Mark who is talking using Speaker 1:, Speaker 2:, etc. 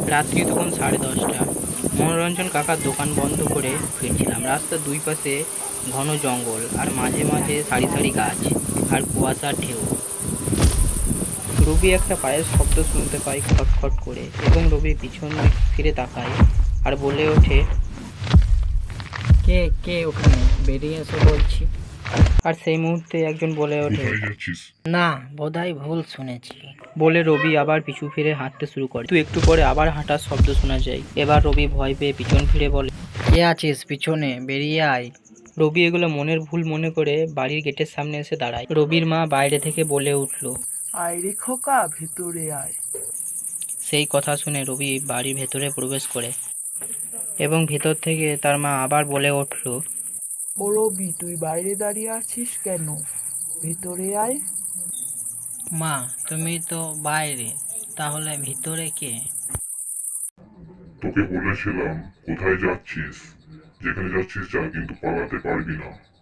Speaker 1: রাত্রি তখন 10:30। মনোরঞ্জন কাকার দোকান বন্ধ করে ফিরছিলাম। রাস্তার দুই পাশে ঘন জঙ্গল, আর মাঝে মাঝে সারি সারি গাছ আর কুয়াশার ঢেউ। রবি একটা পায়ের শব্দ শুনতে পায় খটখট করে, এবং রবি পিছন ফিরে তাকায় আর বলে ওঠে,
Speaker 2: কে কে ওখানে, বেরিয়ে এসে বলছি।
Speaker 1: আর সেই মুহূর্তে একজন বলে ওঠে,
Speaker 3: কোথায় যাচ্ছিস?
Speaker 2: না, বোধহয় ভুল শুনেছি।
Speaker 1: বলে রবি আবার পিছু ফিরে হাঁটতে শুরু করে। কিন্তু একটু পরে আবার হাঁটার শব্দ শোনা যায়। এবার রবি ভয় পেয়ে পিছন ফিরে বলে,
Speaker 2: কে আছিস পিছনে, বেরিয়ে আয়।
Speaker 1: রবি এগুলো মনের ভুল মনে করে বাড়ির গেটের সামনে এসে দাঁড়ায়। রবির মা বাইরে থেকে বলে উঠল,
Speaker 4: আয় রে খোকা, ভেতরে আয়।
Speaker 1: সেই কথা শুনে রবি বাড়ির ভেতরে প্রবেশ করে, এবং ভেতর থেকে তার মা আবার বলে উঠল,
Speaker 4: ও রবি, তুই বাইরে দাঁড়িয়ে আছিস কেন? ভেতরে আয়।
Speaker 2: মা, তুমি তো বাইরে, তাহলে ভিতরে কে?
Speaker 3: তোকে বলেছিলাম কোথায় যাচ্ছিস। যেখানে যাচ্ছিস যা, কিন্তু পালাতে পারবি না।